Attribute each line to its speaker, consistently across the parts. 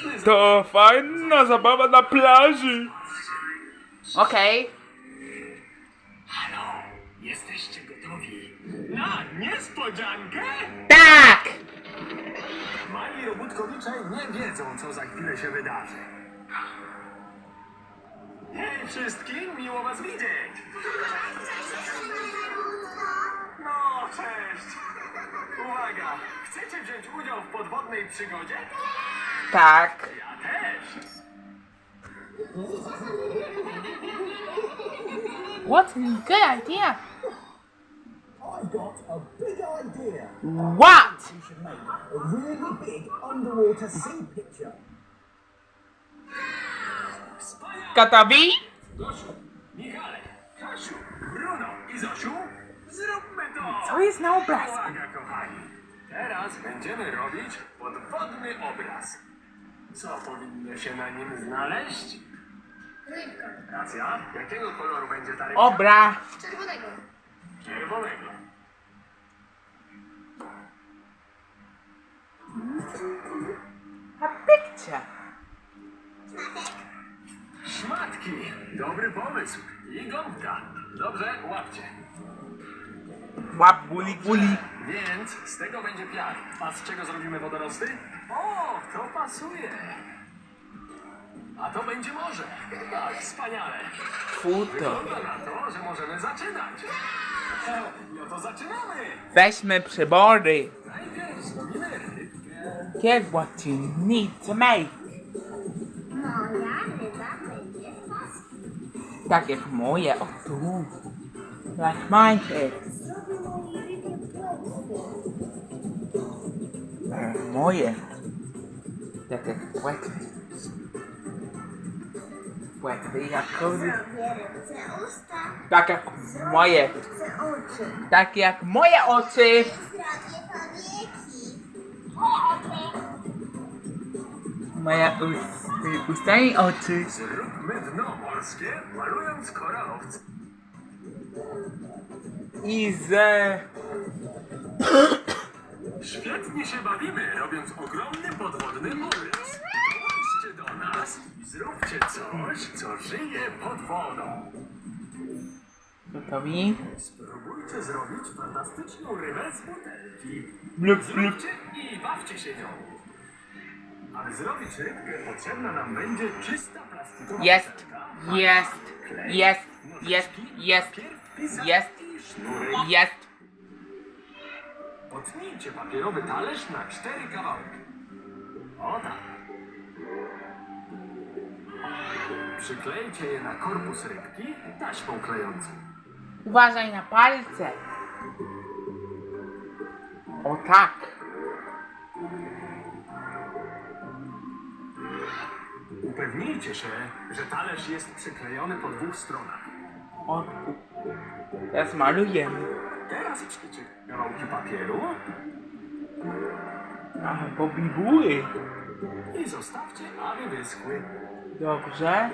Speaker 1: To fajna zabawa na plaży. Okej.
Speaker 2: Halo, jesteście gotowi na niespodziankę?
Speaker 1: Tak!
Speaker 2: Mali robótkowicze nie wiedzą, co za chwilę się wydarzy. Hej wszystkim, miło was widzieć! No, cześć! Uwaga, chcecie wziąć udział w podwodnej przygodzie?
Speaker 1: Tak.
Speaker 2: Ja też!
Speaker 3: What a good idea.
Speaker 4: I've got a big idea.
Speaker 1: What?
Speaker 4: We should make a really big underwater sea picture.
Speaker 2: Wspaniale!
Speaker 1: Gotowi?
Speaker 2: Gosiu, Michale, Kasiu, Bruno i Zosiu, zróbmy to!
Speaker 1: Co jest na obrazku?
Speaker 2: Uwaga, kochani! Teraz będziemy robić podwodny obraz. Co powinno się na nim znaleźć?
Speaker 5: Rybka.
Speaker 2: Racja. Jakiego koloru będzie ta rybka?
Speaker 1: Obra.
Speaker 5: Czerwonego.
Speaker 2: Czerwonego.
Speaker 1: A picture.
Speaker 2: Szmatki. Dobry pomysł. I gąbka. Dobrze, łapcie.
Speaker 1: Łap guli guli.
Speaker 2: Więc z tego będzie piach. A z czego zrobimy wodorosty? O, to pasuje. A to będzie morze. Tak, wspaniale.
Speaker 1: Futo.
Speaker 2: Wygląda na to, że możemy zaczynać. No to zaczynamy.
Speaker 1: Weźmy przybory.
Speaker 2: Najpierw zrobimy rybkę.
Speaker 1: Get what you need to make.
Speaker 5: Moja ryba będzie w pasku.
Speaker 1: Tak jak moje. O tu. Like mine head.
Speaker 5: Zrobię mojej rybie płetwy.
Speaker 1: Moje. Tak jak płetwy. Płetwy jak kozy.
Speaker 5: Zrobię rybce usta.
Speaker 1: Tak jak moje.
Speaker 5: Rybce oczy.
Speaker 1: Tak jak moje oczy.
Speaker 5: Zrobię powieki.
Speaker 1: Moje usta i oczy.
Speaker 2: Zróbmy dno morskie, malując koralowce.
Speaker 1: I ze...
Speaker 2: Świetnie się bawimy, robiąc ogromny podwodny obraz. Dołączcie do nas i zróbcie coś, co żyje pod wodą.
Speaker 1: Gotowi?
Speaker 2: Spróbujcie zrobić fantastyczną rybę z butelki.
Speaker 1: Blup, blup.
Speaker 2: Zróbcie i bawcie się nią. Aby zrobić rybkę, potrzebna nam będzie czysta plastikowa
Speaker 1: Jest.
Speaker 2: butelka,
Speaker 1: Jest.
Speaker 2: klej,
Speaker 1: Jest.
Speaker 2: nożyczki,
Speaker 1: Jest. Jest.
Speaker 2: papier, pisak
Speaker 1: Jest.
Speaker 2: i sznury.
Speaker 1: Jest.
Speaker 2: Potnijcie papierowy talerz na 4 kawałki. O tak. Przyklejcie je na korpus rybki taśmą klejącą.
Speaker 1: Uważaj na palce. O tak.
Speaker 2: Upewnijcie się, że talerz jest przyklejony po 2 stronach.
Speaker 1: O. Teraz malujemy.
Speaker 2: Teraz przyjdzie kawałki papieru
Speaker 1: A, bo bibuły.
Speaker 2: i zostawcie, aby wyschły.
Speaker 1: Dobrze.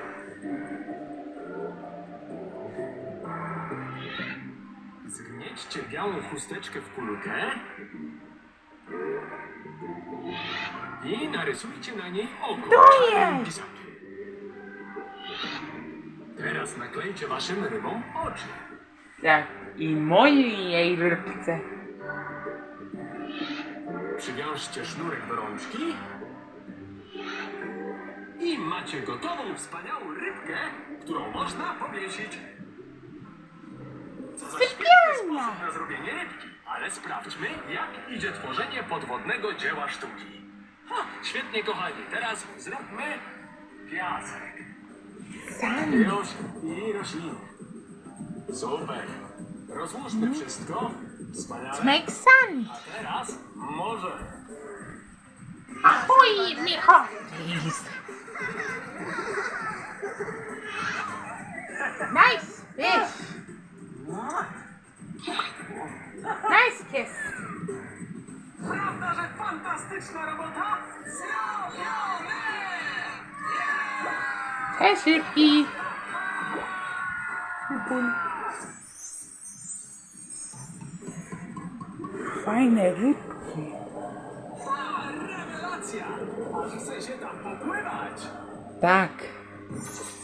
Speaker 2: Zgniećcie białą chusteczkę w kulkę i narysujcie na niej oko czarnym pisakiem. Teraz naklejcie waszym rybom oczy.
Speaker 1: Tak. I mojej rybce.
Speaker 2: Przywiążcie sznurek do rączki i macie gotową, wspaniałą rybkę, którą można powiesić. Co za świetny sposób na zrobienie rybki. Ale sprawdźmy, jak idzie tworzenie podwodnego dzieła sztuki. Ha, świetnie, kochani. Teraz zróbmy piasek.
Speaker 1: Sand.
Speaker 2: Już i rośliny. Super. Rozłóżmy wszystko. Wspaniale.
Speaker 3: Make sand.
Speaker 2: A teraz może.
Speaker 3: Ahoy, me hearties. Nice fish. Nice kiss.
Speaker 2: Prawda, że fantastyczna robota? Zrobione!
Speaker 3: Cześć, rybki.
Speaker 1: Fajne rybki.
Speaker 2: Rewelacja! Rewelacja! Aż chce się tam popływać!
Speaker 1: Tak.